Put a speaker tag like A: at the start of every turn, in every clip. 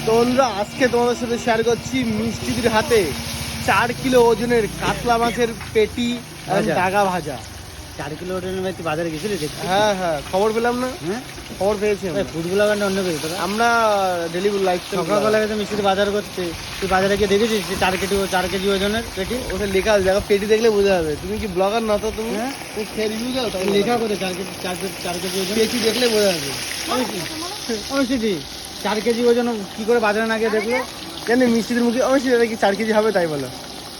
A: তো বন্ধুরা, আজকে তোমাদের সাথে শেয়ার করছি মিষ্টিদের হাতে 4 কিলো ওজনের কাতলা মাছের পেটি আর ডাগা ভাজা।
B: 4 কিলো ওজনের ভাই তুই বাজারে গেছিলি দেখছি?
A: হ্যাঁ হ্যাঁ, খবর পেলাম না?
B: হ্যাঁ,
A: খবর পেয়েছি
B: ফুড ব্লগার অন্য কিছু তোরা?
A: আমরা ডেলি লাইফ
B: সকালবেলা গেছে মিষ্টিতে বাজার করতে, তুই বাজারে গিয়ে দেখেছিস 4 কেজি ওজনের পেটি?
A: ওটা লেখা আছে, দেখো পেটি দেখলে বোঝা যাবে। তুমি কি ব্লগার না তো? তুমি
B: হ্যাঁ,
A: তুমি খেয়ে রিভিউ দাও, তাই
B: লেখা করে 4 কেজি ওজন
A: পেটি দেখলে বোঝা যাবে।
B: অবশ্যই 4 কেজি ওজন কি করে বাজারে না গিয়ে দেখলো?
A: জানি মিষ্টিদের মুখে অবশ্যই এটা কি 4 কেজি হবে, তাই বলো।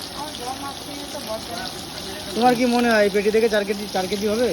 B: তোমার কি মনে হয় এই পেটি দেখে 4 কেজি হবে?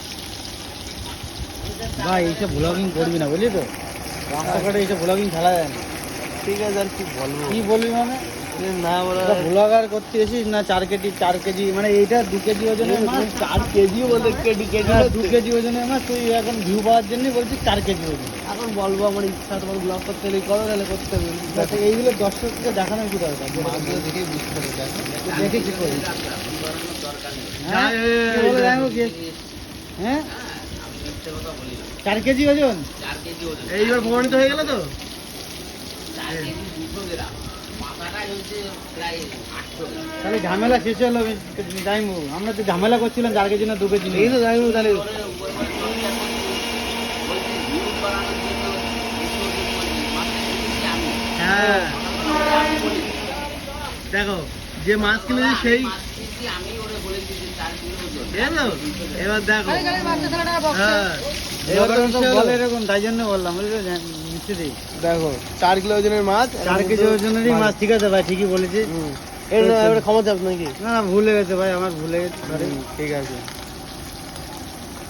B: ভাই এইসব ব্লগিং করবি না, বুঝলি তো? রাস্তাঘাটে এইসব ব্লগিং খেলা যায় না।
A: ঠিক আছে, আর কি বলবো?
B: কি বলবি মানে?
A: না বলা
B: ব্লগার করতে এসিস না 4 কেজি মানে এইটা 2 কেজি ওজনের মাছ।
A: 4 কেজিও বলতে কেজি কেজি
B: 2 কেজি ওজনের মাছ, তুই এখন ভিউ পাওয়ার জন্য বলছিস 4 কেজি ওজন।
A: এখন বলবো আমার ইচ্ছা, তোমার ব্লগ করতে হলে করো, তাহলে করতে হবে।
B: আচ্ছা, এইগুলো দর্শককে দেখানোর কি দরকার?
A: মাছগুলো দেখেই বুঝতে হবে।
B: দেখে কি করবি?
A: হ্যাঁ,
B: কি বলে দেখো কি? হ্যাঁ, 4 কেজি ওজন।
A: এইবার প্রমাণিত হয়ে গেল তো।
B: তাহলে ঝামেলা শেষ হলো জাইমু। আমরা তো ঝামেলা করছিলাম 4 কেজি না 2 কেজি।
A: এই তো জানি তাহলে। হ্যাঁ, দেখো যে মাছ কিনেছি সেই এবার দেখো। হ্যাঁ,
B: এবার তো বলে এরকম, তাই জন্য বললাম মিষ্টি।
A: দেখো 4 কিলো ওজনের মাছ,
B: 4 কেজি ওজনেরই মাছ। ঠিক আছে ভাই, ঠিকই বলেছিস।
A: এবার ক্ষমা চাপ নাকি?
B: না, ভুলে গেছে ভাই, আমার ভুলে গেছে।
A: ঠিক আছে।